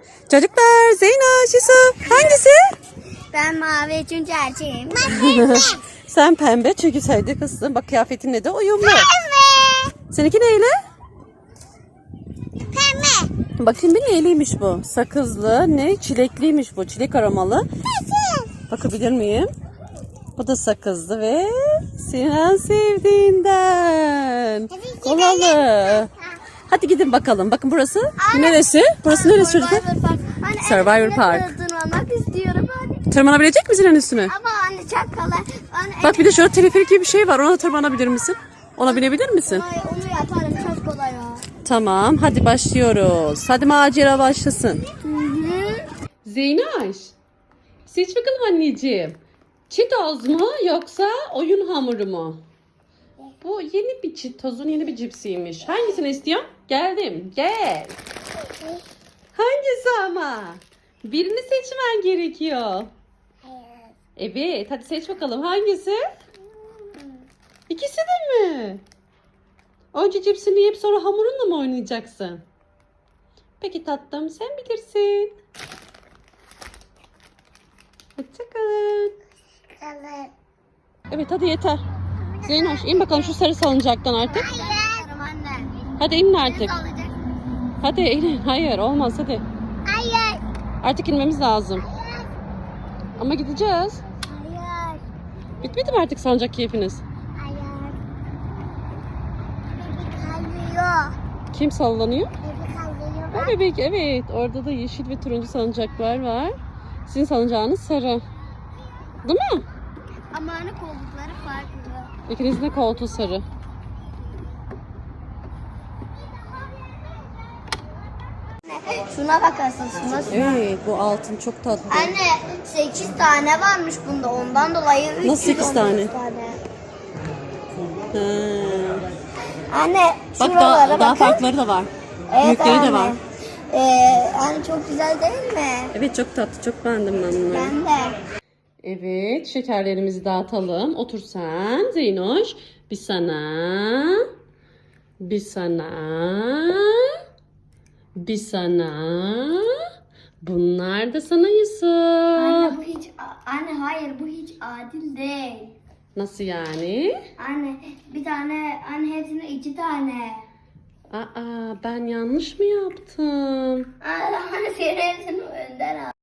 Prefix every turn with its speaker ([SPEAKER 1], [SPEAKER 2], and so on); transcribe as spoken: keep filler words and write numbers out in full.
[SPEAKER 1] Çocuklar, Zeyno, Yusuf hangisi?
[SPEAKER 2] Ben mavi çünkü erkeğim.
[SPEAKER 1] Sen pembe çünkü sevdi kızsın. Bak kıyafetinle de uyumlu.
[SPEAKER 2] Pembe.
[SPEAKER 1] Seninki neyle?
[SPEAKER 2] Pembe.
[SPEAKER 1] Bakayım bir neyliymiş bu? Sakızlı, ne? Çilekliymiş bu. Çilek aromalı. Bakabilir miyim? Bu da sakızlı ve Sinan sevdiğinden. Kolalı. Hadi gidin bakalım. Bakın burası. Bu neresi? Burası neresi çocuklar?
[SPEAKER 2] Survivor Park. Anne,
[SPEAKER 1] Survivor Park.
[SPEAKER 2] Tırmanmak istiyorum anne.
[SPEAKER 1] Tırmanabilecek misin en üstüne?
[SPEAKER 2] Ama anne çok kolay. Anne,
[SPEAKER 1] Bak bir de şurada teleferik gibi bir şey var. Ona tırmanabilir misin? Ona binebilir misin?
[SPEAKER 2] Ay, onu yaparım çok kolay o.
[SPEAKER 1] Tamam. Hadi başlıyoruz. Hadi macera başlasın.
[SPEAKER 2] Hı hı.
[SPEAKER 1] Zeynaş. Seç bakalım anneciğim. Cheetos mu yoksa oyun hamuru mu? Bu yeni bir Cheetos'un yeni bir cipsiymiş. Hangisini istiyorsun? Geldim. Gel. Hangisi ama? Birini seçmen gerekiyor. Evet. Hadi seç bakalım. Hangisi? İkisi de mi? Önce cipsini yiyip sonra hamurunla mı oynayacaksın? Peki tatlım sen bilirsin. Hoşçakalın. Evet hadi yeter. Zeynoş in bakalım şu sarı salıncaktan artık.
[SPEAKER 2] Yaparım anne.
[SPEAKER 1] Hadi inin artık.
[SPEAKER 2] Alacak.
[SPEAKER 1] Hadi inin. Hayır olmaz hadi.
[SPEAKER 2] Hayır.
[SPEAKER 1] Artık inmemiz lazım. Ama gideceğiz.
[SPEAKER 2] Hayır.
[SPEAKER 1] Bitmedi mi artık salıncak keyfiniz?
[SPEAKER 2] Hayır. Bebek kalıyor.
[SPEAKER 1] Kim sallanıyor?
[SPEAKER 2] Bebek kalıyor.
[SPEAKER 1] O bebek evet. Orada da yeşil ve turuncu salıncaklar var. Sizin salıncağınız sarı. Değil mi?
[SPEAKER 2] Ama anne kollukları farklı.
[SPEAKER 1] İkinizin de koltuğu sarı.
[SPEAKER 2] Şuna bakarsın şuna şuna.
[SPEAKER 1] Evet bu altın çok tatlı.
[SPEAKER 2] Anne sekiz tane varmış bunda ondan dolayı üç yüz
[SPEAKER 1] Nasıl sekiz tane?
[SPEAKER 2] tane.
[SPEAKER 1] Ha.
[SPEAKER 2] Anne
[SPEAKER 1] Bak
[SPEAKER 2] şuralara
[SPEAKER 1] daha,
[SPEAKER 2] bakın.
[SPEAKER 1] daha farkları da var.
[SPEAKER 2] Evet,
[SPEAKER 1] Büyükleri de
[SPEAKER 2] anne.
[SPEAKER 1] var.
[SPEAKER 2] Ee, anne çok güzel değil mi?
[SPEAKER 1] Evet çok tatlı. Çok beğendim ben bunları.
[SPEAKER 2] Ben de.
[SPEAKER 1] Evet şekerlerimizi dağıtalım. Otur sen Zeynoş. Bir sana. Bir sana. Bir sana. Bunlar da sana Yusuf.
[SPEAKER 2] Anne bu hiç anne hayır bu hiç adil değil.
[SPEAKER 1] Nasıl yani?
[SPEAKER 2] Anne bir tane anne hepsine iki tane.
[SPEAKER 1] Aa ben yanlış mı yaptım?
[SPEAKER 2] Anne, anne senin hepsini önden al.